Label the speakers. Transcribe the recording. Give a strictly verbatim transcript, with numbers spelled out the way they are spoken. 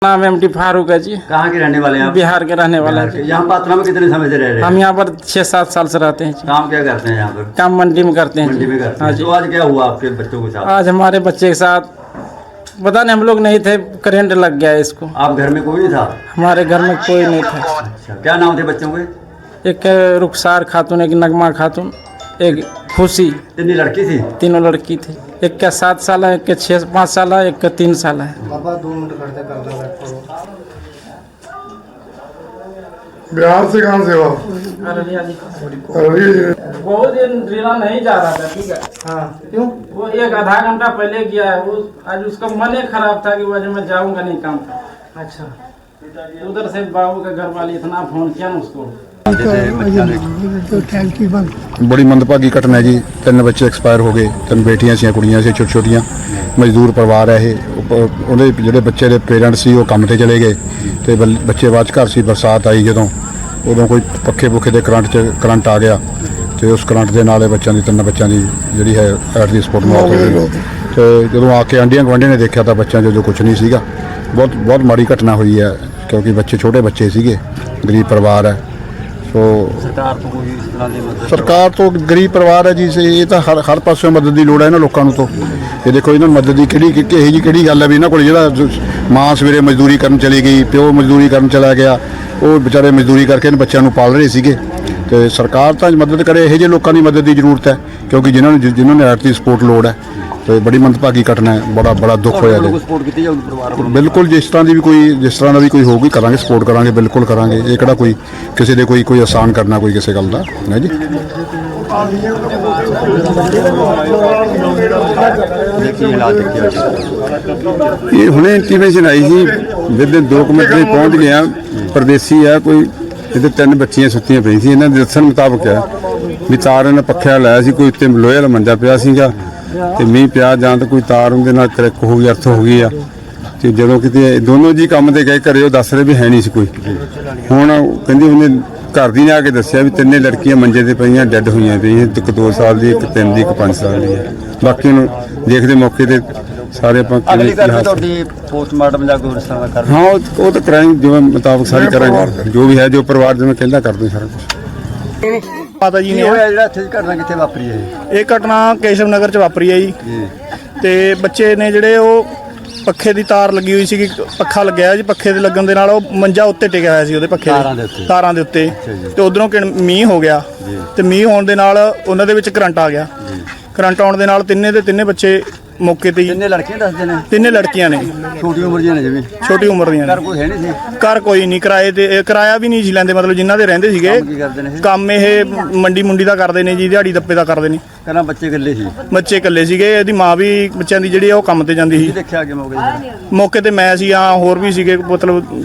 Speaker 1: नाम M D Farooq है जी।
Speaker 2: कहाँ के रहने वाले हैं आप?
Speaker 1: बिहार के रहने वाले हैं।
Speaker 2: यहाँ पात्रा में कितने समय से रह रहे हैं?
Speaker 1: हम यहाँ पर छह सात साल से रहते हैं जी।
Speaker 2: काम क्या करते हैं यहाँ पर?
Speaker 1: काम मंडी में करते हैं
Speaker 2: मंडी
Speaker 1: जी।
Speaker 2: में करते
Speaker 1: हाँ
Speaker 2: हैं।
Speaker 1: जी।
Speaker 2: तो आज क्या हुआ आपके बच्चों के साथ?
Speaker 1: आज हमारे बच्चे के साथ पता नहीं, हम लोग नहीं थे, करंट लग गया इसको।
Speaker 2: आप घर में कोई नहीं था?
Speaker 1: हमारे घर में कोई नहीं था।
Speaker 2: अच्छा, क्या नाम थे बच्चों के?
Speaker 1: एक रुखसार खातून, एक नगमा खातून, एक खुशी।
Speaker 2: कितनी लड़की थी?
Speaker 1: तीनों लड़की थी। एक का सात साल है, एक का छः पाँच साल है, एक का तीन साल है।
Speaker 3: बिहार से कहाँ से हो? अरे
Speaker 1: बहुत दिन रिला नहीं जा रहा था, ठीक है।
Speaker 3: हाँ, क्यों?
Speaker 1: वो एक आधा घंटा पहले गया है। वो आज उसका मन ही खराब था कि वो आज मैं जाऊंगा नहीं काम था।
Speaker 3: अच्छा,
Speaker 1: उधर से बाबू का घर वाले इतना फोन किया ना उसको।
Speaker 4: बड़ी मंदभागी घटना है जी। तीन बच्चे एक्सपायर हो गए। तीन बेटियां सी, कुड़ियां सी, छोटी छोटियां। मजदूर परिवार है ये। ਉਹਦੇ ਜਿਹੜੇ ਬੱਚੇ ਦੇ ਪੇਰੈਂਟਸ ਸੀ ਉਹ ਕੰਮ ਤੇ ਚਲੇ ਗਏ ਤੇ ਬੱਚੇ ਬਾਅਦ 'ਚ ਘਰ ਸੀ। ਬਰਸਾਤ ਆਈ ਜਦੋਂ, ਉਦੋਂ ਕੋਈ ਪੱਖੇ ਪੁੱਖੇ ਦੇ ਕਰੰਟ 'ਚ ਕਰੰਟ ਆ ਗਿਆ ਤੇ ਉਸ ਕਰੰਟ ਦੇ ਨਾਲ ਇਹ ਬੱਚਿਆਂ ਦੀ ਤਿੰਨ ਬੱਚਿਆਂ ਦੀ ਜਿਹੜੀ ਹੈ ਐਟ ਦੀ ਸਪੋਟ ਮੌਤ ਹੋ ਗਈ। ਤੇ ਜਦੋਂ ਆ ਕੇ ਆਂਢੀਆਂ ਗੁਆਂਢੀਆਂ ਨੇ ਦੇਖਿਆ ਤਾਂ ਬੱਚਿਆਂ 'ਚ ਜੋ ਕੁਝ ਨਹੀਂ ਸੀਗਾ। ਬਹੁਤ ਬਹੁਤ ਮਾੜੀ ਘਟਨਾ ਹੋਈ ਹੈ ਕਿਉਂਕਿ ਬੱਚੇ ਛੋਟੇ ਬੱਚੇ ਸੀਗੇ, ਗਰੀਬ ਪਰਿਵਾਰ ਹੈ। ਸੋ
Speaker 2: सरकार तो कोई इस तरह की मदद?
Speaker 4: ਸਰਕਾਰ ਤੋਂ ਗਰੀਬ ਪਰਿਵਾਰ ਹੈ ਜੀ। ਇਹ ਤਾਂ ਹਰ ਹਰ ਪਾਸਿਓਂ ਮਦਦ ਦੀ ਲੋੜ ਹੈ ਇਹਨਾਂ ਲੋਕਾਂ ਨੂੰ। ਤੋਂ ਇਹ ਦੇਖੋ ਇਹਨਾਂ ਨੂੰ ਮਦਦ ਦੀ ਕਿਹੜੀ ਕਿ ਇਹੋ ਜਿਹੀ ਕਿਹੜੀ ਗੱਲ ਹੈ ਵੀ ਇਹਨਾਂ ਕੋਲ ਜਿਹੜਾ ਮਾਂ ਸਵੇਰੇ ਮਜ਼ਦੂਰੀ ਕਰਨ ਚਲੀ ਗਈ, ਪਿਓ ਮਜ਼ਦੂਰੀ ਕਰਨ ਚਲਾ ਗਿਆ, ਉਹ ਵਿਚਾਰੇ ਮਜ਼ਦੂਰੀ ਕਰਕੇ ਇਹਨਾਂ ਬੱਚਿਆਂ ਨੂੰ ਪਾਲ ਰਹੇ ਸੀਗੇ। ਤੇ ਸਰਕਾਰ ਤਾਂ ਮਦਦ ਕਰੇ, ਇਹੋ ਜਿਹੇ ਲੋਕਾਂ ਦੀ ਮਦਦ ਦੀ ਜ਼ਰੂਰਤ ਹੈ ਕਿਉਂਕਿ ਜਿਨ੍ਹਾਂ ਨੂੰ ਜਿਨ੍ਹਾਂ ਨੂੰ ਐਟ ਦੀ ਸਪੋਰਟ ਲੋੜ ਹੈ। ਤੇ ਬੜੀ ਮੰਦਭਾਗੀ ਘਟਨਾ ਹੈ, ਬੜਾ ਬੜਾ ਦੁੱਖ ਹੋਇਆ ਜੀ।
Speaker 2: सपोर्ट की जाऊगी परिवार को?
Speaker 4: ਬਿਲਕੁਲ ਜਿਸ ਤਰ੍ਹਾਂ ਦੀ ਵੀ ਕੋਈ ਜਿਸ ਤਰ੍ਹਾਂ ਦਾ ਵੀ ਕੋਈ ਹੋਊਗੀ ਕਰਾਂਗੇ, ਸਪੋਰਟ ਕਰਾਂਗੇ, ਬਿਲਕੁਲ ਕਰਾਂਗੇ। ਇਹ ਕਿਹੜਾ ਕੋਈ ਕਿਸੇ ਦੇ ਕੋਈ ਕੋਈ ਆਸਾਨ ਕਰਨਾ ਕੋਈ ਕਿਸੇ ਗੱਲ ਦਾ ਹੈ ਜੀ।
Speaker 2: देखिए हालात देखिए।
Speaker 5: ਇਹ ਹੁਣੇ ਇੰਟੀਮੇਸ਼ਨ ਆਈ ਸੀ, ਵਿਦਿਨ ਦੋ ਕੁ ਮਿੰਟ ਵਿੱਚ ਪਹੁੰਚ ਗਿਆ। ਪਰਦੇਸੀ ਆ ਕੋਈ, ਇਹਦੇ ਤਿੰਨ ਬੱਚੀਆਂ ਸੁੱਤੀਆਂ ਪਈਆਂ ਸੀ। ਇਹਨਾਂ ਦੇ ਦੱਸਣ ਮੁਤਾਬਕ ਹੈ ਵੀ ਤਾਰ ਇਹਨਾਂ ਪੱਖਿਆ ਲਾਇਆ ਸੀ, ਕੋਈ ਉੱਤੇ ਲੋਹੇ ਵਾਲਾ ਮੰਜਾ ਪਿਆ ਸੀਗਾ ਤੇ ਮੀਂਹ ਪਿਆ ਜਾਂ ਤਾਂ ਕੋਈ ਤਾਰ ਉਹਦੇ ਨਾਲ ਕਰੈਕ ਹੋ ਗਈ, ਅਰਥ ਹੋ ਗਈ ਆ। ਤੇ ਜਦੋਂ ਕਿਤੇ ਦੋਨੋਂ ਜੀ ਕੰਮ ਤੇ ਗਏ ਘਰੇ, ਉਹ ਦੱਸ ਰਹੇ ਵੀ ਹੈ ਨਹੀਂ ਸੀ ਕੋਈ। ਹੁਣ ਕਹਿੰਦੀ ਉਹਨੇ ਘਰ ਦੀ ਨੇ ਆ ਕੇ ਦੱਸਿਆ ਵੀ ਤਿੰਨੇ ਲੜਕੀਆਂ ਮੰਜੇ ਤੇ ਪਈਆਂ, ਡੈੱਡ ਹੋਈਆਂ ਪਈਆਂ। ਇੱਕ ਦੋ ਸਾਲ ਦੀ, ਇੱਕ ਤਿੰਨ ਦੀ, ਇੱਕ ਪੰਜ ਸਾਲ ਦੀ ਹੈ। ਬਾਕੀ ਨੂੰ ਦੇਖਦੇ ਮੌਕੇ ਤੇ ਸਾਰੇ ਆਪਾਂ
Speaker 2: ਅਗਲੀ ਗੱਲ ਤੁਹਾਡੀ ਪੋਸਟਮਾਰਟਮ ਜਾਂ ਕੋਈ ਰਿਸਰਚ ਕਰ?
Speaker 4: ਹਾਂ ਉਹ ਉਹ ਤਾਂ ਕਰਾਂਗੇ ਜਿਵੇਂ ਮੁਤਾਬਕ ਸਾਰੇ ਕਰਾਂਗੇ, ਜੋ ਵੀ ਹੈ ਜੋ ਪਰਿਵਾਰ ਜਿਵੇਂ ਕਹਿੰਦਾ ਕਰਦੇ ਸਾਰਾ ਕੁਝ।
Speaker 6: ਮਾਤਾ ਜੀ ਨੇ
Speaker 2: ਹੋਇਆ ਜਿਹੜਾ ਇੱਥੇ ਘਟਨਾ ਕਿੱਥੇ ਵਾਪਰੀ ਹੈ?
Speaker 6: ਇਹ ਘਟਨਾ ਕੇਸ਼ਵ ਨਗਰ ਚ ਵਾਪਰੀ ਹੈ ਜੀ।
Speaker 2: ਜੀ।
Speaker 6: ਤੇ ਬੱਚੇ ਨੇ ਜਿਹੜੇ ਉਹ ਪੱਖੇ ਦੀ ਤਾਰ ਲੱਗੀ ਹੋਈ ਸੀਗੀ, ਪੱਖਾ ਲੱਗਿਆ ਜੀ। ਪੱਖੇ ਦੇ ਲੱਗਣ ਦੇ ਨਾਲ ਉਹ ਮੰਜਾ ਉੱਤੇ ਟਿਕਿਆ ਹੋਇਆ ਸੀ ਉਹਦੇ ਪੱਖੇ
Speaker 2: ਤਾਰਾਂ ਦੇ ਉੱਤੇ।
Speaker 6: ਤਾਰਾਂ ਦੇ ਉੱਤੇ ਤੇ ਉਧਰੋਂ ਮੀਂਹ ਹੋ ਗਿਆ ਤੇ ਮੀਂਹ ਹੋਣ ਦੇ ਨਾਲ ਉਹਨਾਂ ਦੇ ਵਿੱਚ ਕਰੰਟ ਆ ਗਿਆ। ਕਰੰਟ ਆਉਣ ਦੇ ਨਾਲ ਤਿੰਨੇ ਦੇ ਤਿੰਨੇ ਬੱਚੇ ਮੌਕੇ ਤੇ ਹੀ,
Speaker 2: ਕਿੰਨੇ ਲੜਕੀਆਂ ਦੱਸਦੇ ਨੇ?
Speaker 6: ਤਿੰਨੇ ਲੜਕੀਆਂ ਨੇ,
Speaker 2: ਛੋਟੀ ਉਮਰ ਦੀਆਂ ਨੇ ਜਿਵੇਂ?
Speaker 6: ਛੋਟੀ ਉਮਰ ਦੀਆਂ
Speaker 2: ਘਰ
Speaker 6: ਨੇ।
Speaker 2: ਕੋਈ ਹੈ ਨਹੀਂ ਸੀ?
Speaker 6: ਘਰ ਕੋਈ ਨਹੀਂ, ਕਿਰਾਏ ਤੇ ਇਹ ਕਿਰਾਇਆ ਵੀ ਨਹੀਂ ਸੀ ਲੈਂਦੇ, ਮਤਲਬ ਜਿਨ੍ਹਾਂ ਦੇ ਰਹਿੰਦੇ ਸੀਗੇ।
Speaker 2: ਕੰਮ ਕੀ ਕਰਦੇ ਨੇ ਇਹ?
Speaker 6: ਕੰਮ ਇਹ ਮੰਡੀ ਮੁੰਡੀ ਦਾ ਕਰਦੇ ਨੇ ਜੀ, ਦਿਹਾੜੀ ਦੱਪੇ ਦਾ ਕਰਦੇ ਨੇ।
Speaker 2: ਕਹਿੰਦਾ ਬੱਚੇ ਇਕੱਲੇ ਸੀ?
Speaker 6: ਬੱਚੇ ਇਕੱਲੇ ਸੀਗੇ। ਇਹਦੀ ਮਾਂ ਵੀ ਬੱਚਿਆਂ ਦੀ ਜਿਹੜੀ ਆ ਉਹ ਕੰਮ ਤੇ ਜਾਂਦੀ
Speaker 2: ਕੀ
Speaker 6: ਸੀ।
Speaker 2: ਦੇਖਿਆ ਕਿ ਮੌਕੇ ਤੇ?
Speaker 6: ਮੌਕੇ ਤੇ ਮੈਂ ਸੀ, ਆ ਹੋਰ ਵੀ ਸੀਗੇ, ਮਤਲਬ